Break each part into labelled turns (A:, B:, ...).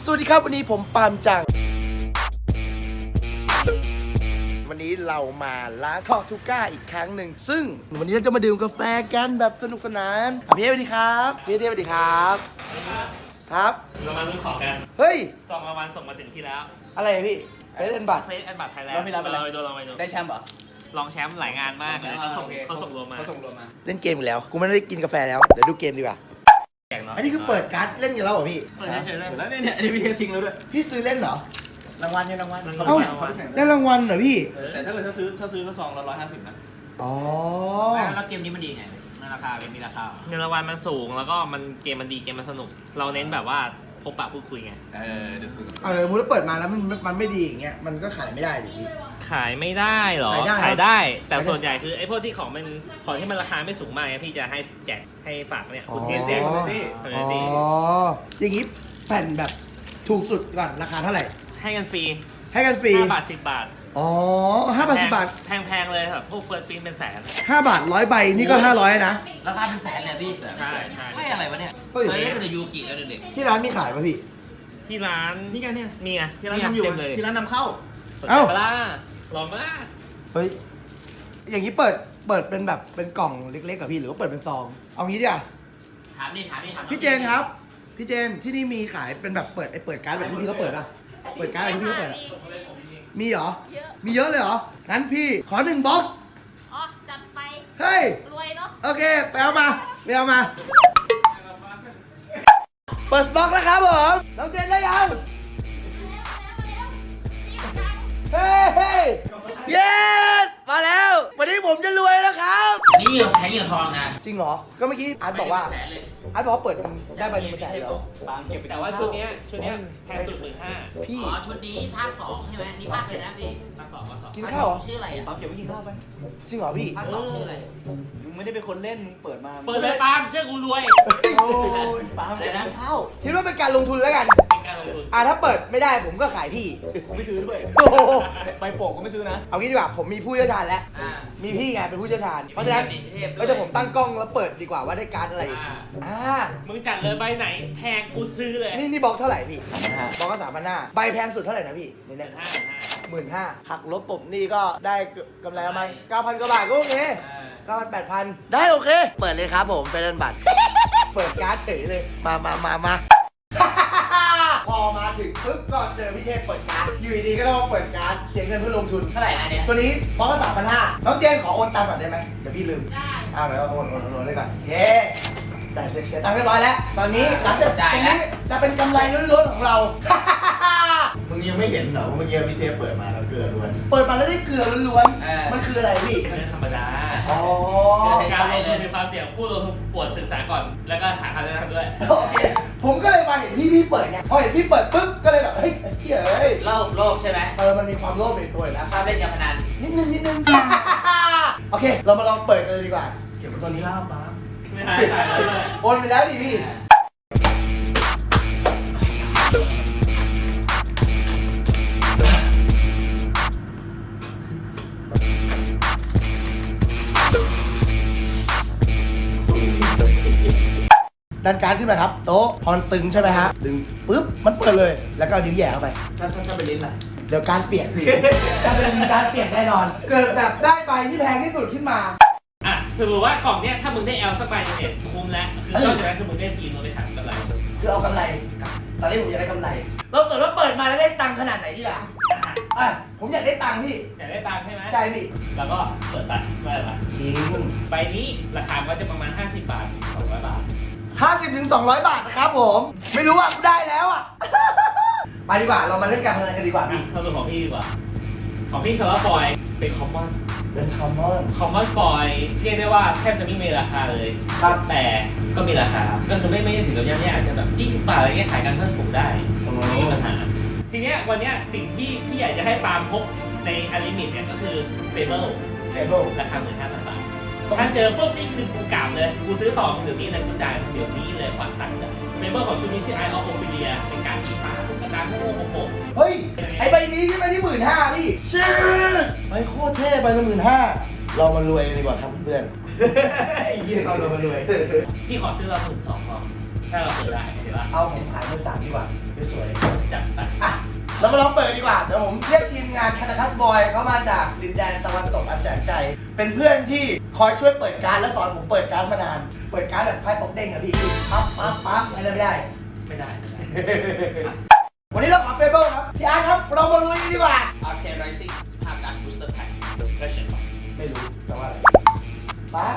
A: วัสดีครับวันนี้ผมปาล์มจังวันนี้เรามาร้านทอทูก้าอีกครั้งหนึ่งซึ่งวันนี้เราจะมาดื่มกาแฟกันแบบสนุกสนานพี่เอสวัสดีครับพี่เอสวัสดีครับครับ
B: เรามาลุ้นของกัน
A: เฮ้ย
B: ซองรางวัลส่งมาถึงที่แล้ว
A: อะไรพี่เฟสแอนด์บัต
B: เฟสแอนด์บัตไทยแลนด์
C: เราไป
B: ลองไปดู
C: ได้แชมป์เหรอ
B: ลองแชมป์หลายงานมากเลยเขาส่งรวมมา
A: เล่นเกมอีกแล้วกูไม่ได้กินกาแฟแล้วเดี๋ยวดูเกมดีกว่าอันนี้คือเปิดการ์ดเล่นกันแล้วเหรอพี่
B: เปิดเฉยๆเลย
C: แล้วเนี่ยอันนี้พี่เทปทิ้งแล้วด้วย
A: พี่ซื้อเล่นเหรอ
C: รางวัลเนี่ยรางวัล
A: เอ้าได้รางวัลเหรอพี่
C: แต่ถ้าเกิดถ้าซื้อก็ซองละ150นะ
A: อ๋อ
C: แล้วเกมนี้มันดีไงมันราคาเป็นมีราคา
B: เงินรางวัลมันสูงแล้วก็เกมมันดีเกมมันสนุกเราเน้นแบบว่าพบปะพูดคุยไง
C: เดี๋ยวซื้อ
A: เอาเลยมูลเปิดมาแล้วมันไม่ดีอย่างเงี้ยมันก็ขายไม่ได้ดิพี่
B: ขายไม่ได้หรอขายได้แต่ส่วนใหญ่คือไอ้พวกที่ของที่มันราคาไม่สูงมากพี่จะให้แจกให้ฝากเนี่ยคุณแจก
A: นี่อย่างงี้แผ่นแบบถูกสุดก่อนราคาเท่าไหร่
B: ให้กันฟรี
A: 5
B: บาท10 บาท
A: อ๋อ5 บาท10 บาท
B: แพงเลยครับพวกเฟิร์สฟิล์มเป็นแสน
A: 5 บาท100 ใบนี่ก็500นะ
C: ราคาเป็นแสนเลยพี่แสนให้อะไรวะเนี่ยเคยเล่นแต่ยูกิแล้วเด็ก
A: ที่ร้านมีขายป่ะพี่
B: ที่ร้าน
C: นี่กันเนี่ย
B: มีไง
C: ที่ร้านทำอยู่ที่ร้านนำเข้า
B: เอ้าลองมา
A: เฮ้ยอย่างนี้เปิดเป็นแบบเป็นกล่องเล็กๆกับพี่หรือว่าเปิดเป็นซองเอางี้ดีกว่า
C: ถาม
A: พี่เจนครับพี่เจนที่นี่มีขายเป็นแบบเปิดการ์ดแบบที่พี่เขาเปิดป่ะเปิดการ์ดแบบที่พี่เขาเปิดมีเหรอมีเยอะเลยเหรองั้นพี่ขอ1 บ็อกซ์
D: อ๋อจัดไป
A: เฮ้ย
D: รวยเนาะ
A: โอเคไปเอามาเปิดบ็อกซ์แล้วครับผมน้องเจนได้ยังเฮ้ยเย้มาแล้ววันนี้ผมจะรวยแล้วครับ
C: นี่แทงเงินทองนะ
A: จริงเหรอก็เมื่อกี้อาร์ตบอกว่าเปิดได้ใบ1 แสนแล้ว
B: แต่ว่าชุดนี้แพงสุด15,000
C: พี่อ๋อชุดนี้ภาค2ใช่ไหมนี่ภาคเลยนะพี่
B: ภาค2
A: กินข้าวเหรอ
C: ชื่ออะไรอ่ะ
B: ปั๊มเก็บไว้กินข้าวไป
A: จริงเหรอพี่
C: ภาค2ชื่ออะไร
B: มึงไม่ได้เป็นคนเล่นมึงเปิดเลยปาล์มเชื่อกูรวย
A: โอ้ยปาล์มอะไรนะข้าวคิดว่าเป็นการลงทุนแล้วกัน
B: เป็นการลงทุน
A: ถ้าเปิดไม่ได้ผมก็ขายพี่
B: ผมไม่ซื้อด้วยใบโป่งก็ไม่ซื้อนะ
A: เอางี้ดีกว่าผมมีผู้เชี่ยวชาญแล้วมีพี่ไงเป็นผู้เชี่ยวชาญเพราะฉะนั้นก็จะผมตั้งกล้องแล้วเปิดดีกว่าว่าได้การ์ดอะไร
B: มึงจัดเลยใบไหนแพงกูซื้อเลย
A: นี่บล็อกเท่าไหร่พี่บล็อกก็3,500ใบแพงสุดเท่าไหร่นะพี่เนี่ย15,000หักลบผมนี่ก็ได้กำไรประมาณ 9,000 กว่าบาทก็โอเค9,000 8,000ได้โอเคเปิดเลยครับผมเป็นเงินบัตรเปิดการ์ดเฉยเลยมาพอมาถึงปึ๊บก็เจอพี่เทพเปิดการ์ดอยู่ดีก็ต้องมาเปิดการ์ดเสียเงินเพื่อลงทุน
C: เท่าไหร่นะเนี่ย
A: ตัวนี้บล็อกก็3,500น้องเจนขอโอนตังค์ก่อนได้ไหมเดี๋ยวพี่ลืม
D: ได้
A: เดี๋ยวโอนเลยก่อนเย้จ่ายเสียตังค์เรียบร้อยแล้วตอนนี้หลังจากตรงนี้จะเป็นกำไรล้วนๆของเรา
C: มึงยังไม่เห็นเหรอเมื่อกี้พี่เทปเปิดมาแล้วเกลือล้วน
A: เปิดมาแล้วได้เกลือล้วนๆมันคืออะไรพี่
B: เรื่องธรรมดา
C: การ
B: ลงทุนมีความเสี่ยงผู้ลงทุนปวดศึกษาก่อนแล้วก็หาคำแนะนำด้วย
A: โอเคผมก็เลยมาเห็นพี่เปิดไงพอเห็นพี่เปิดปุ๊บก็เลยแบบเฮ้ย
C: โลภใช่ไหม
A: มันมีความโลภในตัวนะ
C: ชอบเล่นการพนัน
A: นิดนึงโอเคเรามาลองเปิดกันเลยดีกว่าเก็บตัวนี้
B: ไม่หายเลย
A: โอนไปแล้วดิพี่ดันการขึ้นไปครับโต๊ะพอมันตึงใช่ไหมฮะดึงปุ๊บมันเปิดเลยแล้วก็นิ้วแย่เข้าไป
C: ถ้าไปลิ้นล่ะ
A: เดี๋ยวการเปลี่ยนจะเป็นการเปลี่ยนแน่นอนเกิดแบบได้ใบที่แพงที่สุดขึ้นมา
B: สมมติว่ากล่องเนี้ยถ้ามึงได้สักใบเนี่ยคุ้มแล้วคือตอนนั้นคือมึงได้ฟิล์มเราไปขายกำไร
A: คือเอากำไรตอนนี้ผมอยากได้กำไรเราสมมติว่าเปิดมาแล้วได้ตังค์ขนาดไหนดีล่ะผมอยากได้ตังค์พี่
B: อยากได้ตังค์ใช่ไหม
A: ใช่พี่
B: แล้วก็เปิดตังค์ได้ปะ
A: จริง
B: ใบนี้ราคาก็จะประมาณ50 บาท200 บาท
A: 50 ถึง 200 บาทนะครับผมไม่รู้ว่าได้แล้วไปดีกว่าเรามาเล่นการพนันกันดีกว่าพี่
B: เข้าสู่ของพี่ดีกว่าของพี่สำหรับฟอยเป็นคอมมอนฟอยเรียกได้ว่าแทบจะไม่มีราคาเลย
A: ครับ
B: แต่ก็มีราคาก็คือไม่ใช่สิ่งที่ย่ำอาจจะแบบ20 บาทอะไรเงี้ยขายกันเพิ่มถูกได้ไม่มีปัญหาทีเนี้ยวันเนี้ยสิ่งที่พี่อยากจะให้ปาล์มพกในอลิมิตเนี่ยก็คือเฟเบิลราคา15,000 บาทถ้าเจอปุ๊บนี่คือกูกล่าวเลยกูซื้อต่อมึงเดี๋ยวนี้เลยกูจ่ายเดี๋ยวนี้เลยขวัญตังค์จ้ะเฟเบิลของชุดนี้ชื่อ Eye of Ophelia เป็นการสีฟ้าตุ๊กตาโง่โง่
A: เฮ้ยไอใบนี้ใช่ไหมที่15,000พี่ชื่อใบโคตรเท่ใบละ15,000เรามารวยกันดีกว่าครับเพื่อนเรามารวย
B: พี่ขอซื้อเรา12,000พอถ้าเราเปิดได้ใช่ปะ
A: เอาผมขายมือ3ดีกว่าสวยเรามาลองเปิดดีกว่าเดี๋ยวผมเรียกทีมงานคานาคัสบอยเขามาจากดินแดนตะวันตกอันแสนไกลเป็นเพื่อนที่คอยช่วยเปิดการดและสอนผมเปิดการดมานานเปิดการดแบบไพ่ป๊อกเด้งอะพี่ปั๊บอะไรไม่ได้
B: ไม่ได้
A: วันนี้เราขอเฟเบิลครับพี่อาร์ตครับเรามาลุยกันดีกว่า
B: Arcane Rising ภาคการ Booster Pack Version
A: ไม่รู้แต่ว่าอะไรปั๊บ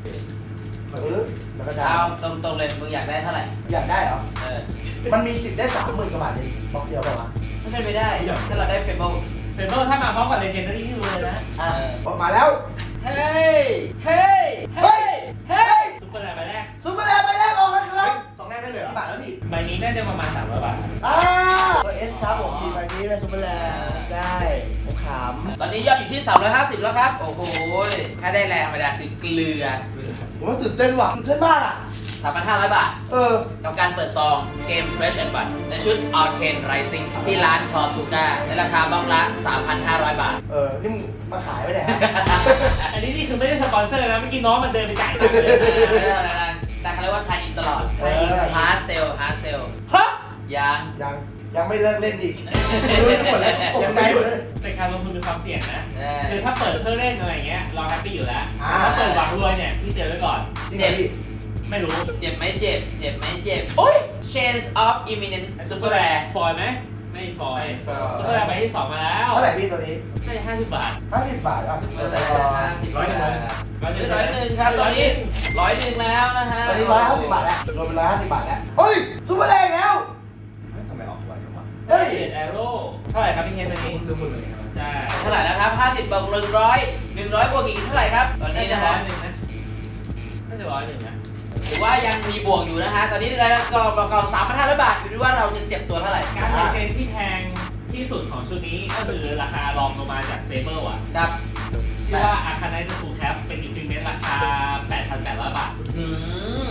A: แล้วก็จะ
D: เอาตรงๆเลยมึงอยากได้เท่าไหร่
A: อยากได้เหรอ
D: เออ
A: มันมีสิทธิ์ได้30,000กว่าบาทเลยบล็อกเดียวเปล่าวะ
D: ไม่เป็นไปได้ถ้าเราได้เฟเบิล
B: เฟเบอร์ถ้ามาพร้อมกับ Legendary ที่รู้เลยนะ
A: อ่ะออกมาแล้ว
D: เฮ้ยเฮ้ย
A: เฮ้ย เฮ้ย
B: ซุปเปอร์ไลน์ใบแรก
A: ซุปเปอร์แลนด์ไปแรกออกแล้วครับ
C: สองแรกได้เลยเหร
A: กี่
C: อบ
A: าทแล้วพี่
B: ใบนี้น่าจะประมาณ300 บาท
A: ตัวเอสครับผมทีมใบนี้นะซุปเปอร์แลนด์ได้ผมขำ
D: ตอนนี้ยอดอยู่ที่ 350 แล้วครับ โอ้โหถ้าได้แรงธรรมดาคือเกลือ
A: ผมว่าตื่นเต้นว่ะตื่นเต้นมากอ่ะ
D: 3,500 บาท
A: เออ
D: กับการเปิดซองเกม Fresh and Bud ในชุด Arcane Rising ที่ร้าน Tortuga ในราคาบล็อกละ 3,500 บาท
A: นี่มึงมาขายไปไหนฮะ
B: อันนี้นี่คือไม่ได้สปอนเซอร์นะ เมื่อกี้น้องมันเดินไปจ่ายตังค์เลย
D: ไม่ได้อะไรนะแต่เขาเรียกว่าไทยอินตลอด ฮาร์ดเซล ฮาร์ดเซล
B: ฮะ
D: ยัง
A: ยังไม่เลิกเล่นอีกรู้หมดแล้วตกใจหมดเลย
B: เป็นการลงทุนมีความเสี่ยงนะ
D: เออ
B: คือถ้าเปิดเพื่อเล่นอะไรเงี้ย เราแฮปปี้อยู่แล้ว
A: อ่า
B: ถ้าเปิดหวังรวยเนี่ย พี่เตือนไว้ก่อน
A: จริงเหรอพี่
B: ไม่รู้
D: เจ็บไหมเจ็บ เจ็บไหมเจ็บ โอ้ย Chains of Imminence
B: ซุป
D: Super
B: เปอร์แร
D: Rare
B: ฟอยไหม ไม่ฟอย
D: ไม่ฟอย
B: ซุปเปอร์แรใบที่ 2 มาแล้ว
A: เท่าไหร่พี่ตัวนี้
B: ได้50 บาท
A: 50 บาทอ่ะ
D: ไม่เป็นไรนะ100 100 100
B: 100
D: ครับ ตอนนี้100แล้วนะฮะ
A: ตอนนี้150 บาทแล้วรวมเป็น150 บาทแล้วเฮ้ยซุปเปอร์แลนด์แล้ว
C: ทำไมออกไวจังวะ
A: เฮ้ย
B: เจ็ดแอโร่เท่าไหร่ครับพี่เคนวันนี้
C: ซื้อมือเลยครับ
B: ใช่
D: เท่าไหร่แล้วครับ50บวก100บวกอีกเท่าไหร่ครับ ตอน
B: น่า
D: นี้
B: จะ
D: นะ
B: ร้อ
D: ฮะ
B: ยหนึ่งนะน่าจะ101นะ
D: ถือว่ายังมีบวกอยู่นะฮะ ตอนนี้ได้กองประกอบ 3,500 บาทอยู่ที่ว่าเราจะเจ็บตัวเท่าไหร่
B: การเกมที่แพงที่สุดของชุดนี้ก็คือราคารองลงมาจากเฟเบอร์อ่ะ
D: ครับ
B: ชื่อว่าอาคาไนซ์ฟูลแคปเป็นอินฟิเมนต์ราคา 8,800 บาท
D: อืม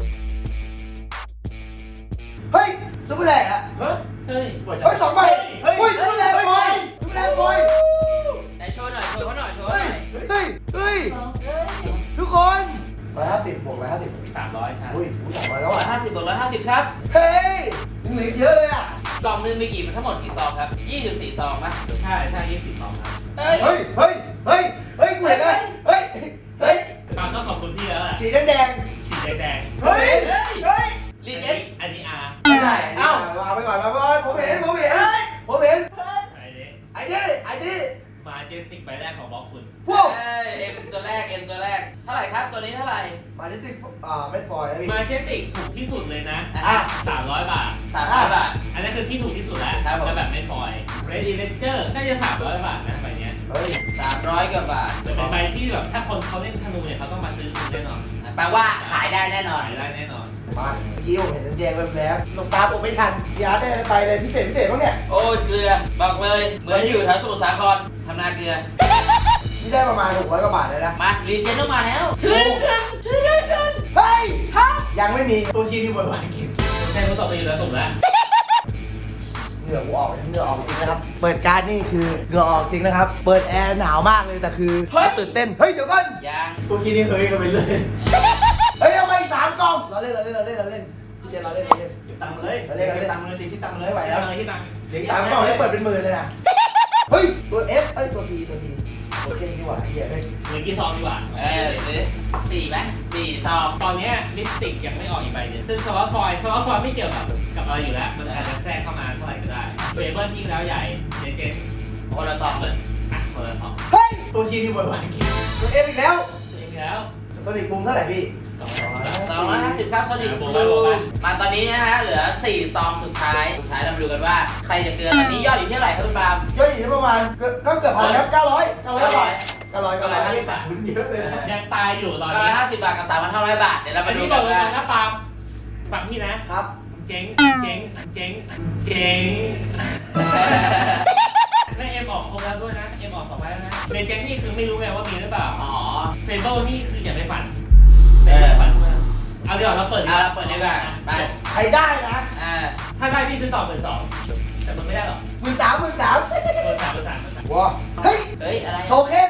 A: เฮ้ยซุปเปอร์แลนด์อ่ะ
D: เฮ้ย
B: เฮ้ย
C: ปวดจั
A: เฮ้ย
C: ง
A: 2 ใบเฮ้ยซุปเปอร์แลนด์ฟอยซุปเปอร์แลนด์ฟอย
D: ไหนโชว์หน่อย โชว์เขาหน่อย โชว์เขา
A: เฮ้
D: ห
A: ย
D: น่อย
A: เฮ้ยทุกคน150บวก150
B: 300ใช่
A: อุ้ย300แล้วอ่ะ
D: 150บวก150ครับ
A: เฮ้ยยังเหลือเยอะเลยอ่ะ
D: กล่องหนึงมีกี่ทั้งหมดกี่ซองครับ24ซองป่ะ
B: ใช่ใช่20 2ครับ
D: เฮ้ย
A: เฮ้ยเหมือนเลยเฮ้ย
B: ปาล์มต้องขอบคุณพี่แล้วแหละ
A: สีแดง
B: สีแดง
A: เฮ้ย
D: ลีเจน
B: อันนี้อาร์
A: ไม่ใช่วางไปก่อนผมเห็น
B: ไอ้นี้
A: ไอ้นี่
B: มาเจสติกใบแรกของบล็อกคุณ
A: พวก
D: เอ็มตัวแรก เท่าไหร่ครับ ตัวนี้เท่าไหร่
A: มาจิติกไม่ฟอยนะพี่
B: มาเจสติกถูกที่สุดเลยนะ
A: อ่ะ
B: 300 บาท
D: 300 บาท
B: อันนั้นคือที่ถูกที่สุดแล้ว
D: ครับผม
B: แต่แบบไม่ฟอยเรดดี้เลนเจอร์น่าจะ300 บาทนะใบเนี้ย
A: เฮ้ย
D: 300กว่าบาท
B: แต่เป็นใบที่แบบถ้าคนเขาเล่นธนูเนี่ยเขาต้องมาซื้อคุณแน่นอน
D: แปลว่าขายได้แน่นอน
B: ขายได้แน่นอน
A: มาเมื่อกี้ผมเห็นแดงๆแบบๆลงตาผมไม่ทันยาได้ไปเลยพิเศษบ้างเนี่ย
D: โอ้ยเกลือ บอกเลย เหมือนอยู่แถวสมุทรสาครทำนาเกลือ
A: นี่ได้ประมาณ600 กว่าบาทเลยนะ
D: มารีเจนต้องมาแล้วขึ้น
A: เฮ้ยยังไม่มี
C: ตัวคีย์ที่บ่อยๆกิน
B: ใช่เขาตกไปอยู่แล้วถูกแล้ว
A: เหงื่อกูออกเหงื่อออกจริงนะครับ เปิดการ์ดนี่คือเหงื่อออกจริงนะครับ เปิดแอร์หนาวมากเลยแต่คือตื่นเต้น เฮ้ยเดี๋ยวก่อน
D: ยัง
C: ตัวคีย์นี่เฮ้ยกันไปเลย
A: เฮ้ยเอามาอีก3 กล่องเราเล่นพี่เจเราเล่น
C: เก็บตังค์มาเลยเก็บตังค์มาเลยที่ตังค์มาเลยไหว
B: ไป
C: แล้
B: แล้ว วที่ตังค์
C: เลี้ยง
A: 3 กล่องได้เปิดเป็นหมื่นเลยนะ เฮ้ยตัว F เอ้ยตัว T ตัว T โอเคดีกว่าเฮียเฮ้ย
B: เหลือกี่ซองดีกว่า
D: หรือ4ไหม4ซอง
B: ตอนเนี้ยลิปสติกยังไม่ออกอีกใบหนึงซึ่งสล็อตฟอยล์ไม่เกี่ยวกับอะไรอยู่แล้ว มันอาจจะแทรกเข้ามาเท่าไหร่ก็ได้เฟเบอร์ยิ่งแล้วใหญ่เจเจน
D: คนละซองเลย
B: อ่ะคนละสอง
A: เฮ้ย
C: ตัวคีย์ที่บ่อยๆกิน
A: ตัว F อีกแล้ว
B: ตัวเองแล้ว
A: โซนิกบูมเท่าไหร่พี่
D: 250ครับโซนิกบูมมาตอนนี้นะฮะเหลือ4ซองสุดท้ายเรามาดูกันว่าใครจะเกินตอนนี้ยอดอยู่ที่เท่าไหร่ครับคุณปาล์ม
A: ย่อยอยู่ที่ประมาณก็เกือบพันครับ900 บาท900
C: ขาดทุนเยอะเลยนะ
B: ยังตายอยู่ตอนนี้
D: 950 บาทกับ 3,500 บาทเดี๋ยวเรา
B: อั
D: มาน ดู
B: นี้บ
D: กั
B: อน กเลย
D: ว่า
B: นะปาล์มฟังพี่นะ
A: ครับ
B: เจ๊งแล้วเอ็มออกครบแล้วด้วยนะเอ็มออก2ใบแล้วนะเลเจนนี่คือไม่รู้ไงว่ามีหรือเปล่า
D: อ๋อ
B: เฟเบิลนี่คืออย่าไปฝัน
D: เออ
B: ฝันมากเอาดีกว่าเราเปิดดีกว่า
D: เราเปิดดีกว่าไป
A: ใครได้นะ
B: ถ้าได้พี่ซื้อต่อ12,000แต่มึงไม่ได้หรอก
A: 13,000
B: เปิด3
A: ว้าเฮ้ย
D: เฮ้ยอะไร
A: โทเค็น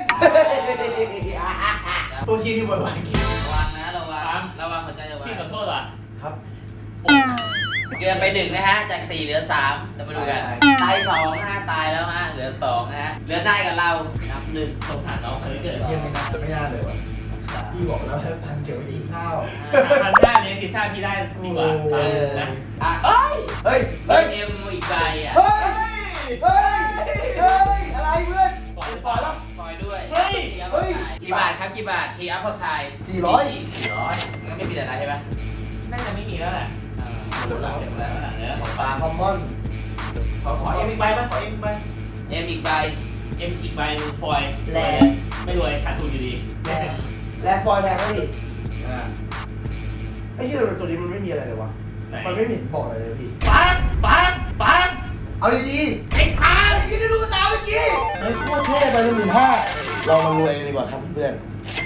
C: ตัวคีย์ที่บ่อยๆกิน
D: ระวังนะระวังหัวใจระวัง
B: พี่ขอโทษว่ะ
A: ครับ
B: ป
D: เกินไป1นะฮะจาก4เหลือ3จะมาดูกันตาย2นะฮะตายแล้วฮะเหลือ2นะฮะเหลือได้กับเรานับ1
B: สงสารน้องคนนี้เกิด
C: เที่ยไม่น่าเลยวะพี่บอกแล้วให้พันเก็บไว้กินข้าว
B: 1,500เนี่ยพิซซ่าพี่ได้ดีกว่านะ
D: เอ้ย
A: เฮ้ย
D: เฮ้
A: เฮ้
D: ย
A: ย
D: เอ็มอีกใบอ่ะ
A: เฮ้ยเฮ้ยเฮ้ยอะไรเพื่อน
B: ปล่อย
A: ปล่อยแล้ว
D: ปล่อยด้วย
B: เฮ้ย
D: กี่บาทครับกี่บาททีอัพพอไทย
A: 400
D: งั้นไม่มีอะไรใช่ไหม
B: น่าจะไม่มีแล้วแหละ
D: หมดแล้วหมดแล้ว
C: ปลาคอมมอนขอเอ็มอีกใบไหมขอเอ็มอีกใบ
D: เอ็มอีกใบ
B: เอ็มอีกใบนึงฟอย
A: แรง
B: ไม่รวยขาดทุนอยู่ดี
A: แรงแรงฟอยล์แรงไหมพี่
C: อ่า
A: ไอ้ที่ตัวนี้มันไม่มีอะไรเลยวะ
B: ไหน
A: มันไม่เห็นบอกอะไรเลยพี่
B: ปังปังปัง
A: เอาดีๆไอ้ตาไอ้ที่ได้ดูกระตาเมื่อกี้เฮ้ยโคตรเท่ไปเลย15,000เรามารวยกันดีกว่าครับเพื่อน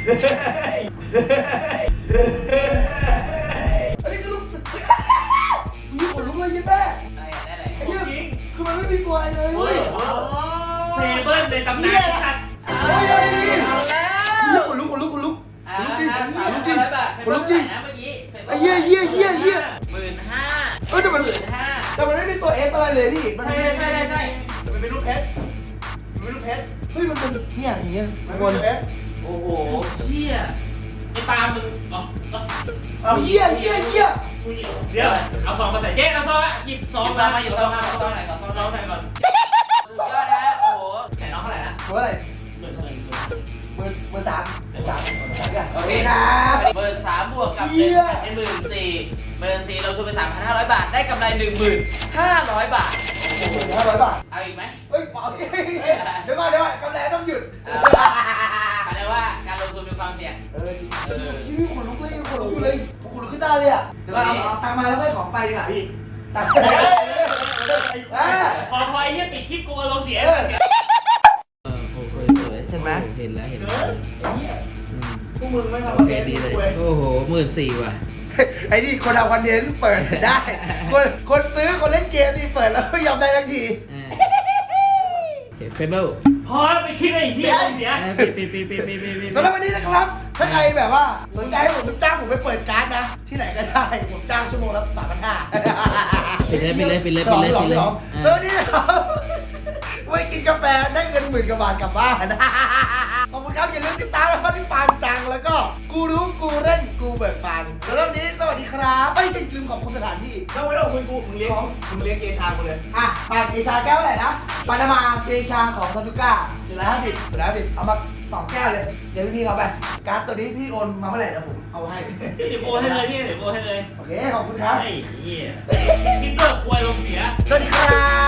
A: อันนี้คือลูกมีขนลุกเลยยิ้มแม่
D: ได้อะไร
A: ไอ้เหี้ยคือมันไม่มีตัวอะไรเลย
B: เฮ้ยเทเบิลในตำนานสัตว์
A: เฮ้ยเฮ้ย
D: เอาแล้ว
A: เหี้ยขนลุก
D: 3,500 บาท
A: ขนลุกจริง
D: นะเมื่อกี้
A: ไอ้เหี้ย
D: 15,000
A: เฮ้ยแต่มัน
D: 15,000
A: แต่มันไม่มีตัว F อะไรเลยพี่มัน
B: ใช่ใช่ใช่
C: มันเป็นรูปเพชรมันเป็นรูปเพชร
A: เฮ้ยมันเป็นเนี่ยอย่างเงี้ย
C: มั
A: ทุ
C: น
A: ก
C: เป็
A: คน น
C: รูปเพชร
D: โอ้โห
B: เชี่ยไอ้ปาล์มมึงอ๋อ
A: เอาเหี้ย
B: เดี๋ยวเอาซองมาใส่เจ๊เอาซองหยิบซอง
D: หยิบซองมาหยิบซองมาเอาซองไหนก่อนซอง
B: ซอง
D: ไหน
B: ใส่ก่อน
D: สุดยอดนะโอ้โหใส่น้องเท่าไหร่นะ
A: เฮ้ย
B: เหมือนเชิญ
A: มือสามกัน
D: โอเค
A: ครับ
D: เบิร์น3บวกกับ
A: เหี้ย
D: 1เป็น14,000เบิร์น4เราทุนไป 3,500 บาท ได้กำไร 1,500 บาท
A: โอ้โห500 บาท
D: เอาอีกไหม
A: เฮ้ยเอาดิเดี๋ยวก่อนกำไรต้องหยุด
D: เขาเรียกว่าการลงทุนมีความเสี่ยง
A: นี่ขนลุกเลยขนลุกเลยขนลุกขึ้นได้เลยอ่ะเดี๋ยวเอาตังมาแล้วค่อยของไปดีกว่าพี่ตัง
B: พอไอ้เหี้ยปิดคลิปกูอารมณ์เสีย
E: โอ้โหสวย
A: เห็นไหม
E: เห็นแล้วเห็น
C: เกิ
E: แล้ว
C: นไอ้เหี้ยพวกมึงไม่ทำ
E: โอ
C: คอน
E: เค
C: เทนต์
E: ดีเลย
C: เว้ย
E: โอ้โห14,000ว่ะ
A: ไอ้นี่คนทำคอนเทนต์เปิดได้ คนซื้อคนเล่นเกมนี่เปิดแล้วไม่ยอมได้ทันที
E: เฟเบิล
B: พอไปคลิปไอ้เหี้ยเสีย
E: ปิด
A: สำหรับวันนี้นะครับ ถ้าใครแบบว่าสนใจให้ผมจ้างผมไปเปิดการ์ดนะ ที่ไหนก็ได้ ผมจ้างชั่วโมงละ3,500
E: ปิดเลย
A: สวัสดีครับไว้กินกาแฟได้เงิน10,000 กว่าบาทกลับบ้าน ขอบคุณครับอย่าลืมติดตามนะครับที่ปานจังแล้วก็กูรู้กูเล่นกูเบิกบานแล้ววันนี้สวัสดีครับไม่ลืมขอบคุณสถานที่
C: ไม่ต้องคุยกูมึงเลี้ยงเกชากูเลย
A: อ่ะปาเกชาแก้วเท่าไหร่นะปานามาเกชาของซาตุก้า450เอามา2 แก้วเลยเดี๋ยวพี่เขาไปการ์ดตัวนี้พี่โอนมาเมื่อไหร่นะผมเอาให้
B: เดี๋ยวโอนให้เลยพี่เดี๋ยวโอนให้เลย
A: โอเคขอบคุณครับ
B: ไอ้เหี้ยคลิปเลิกควายลงเสีย
A: สวัสดีครับ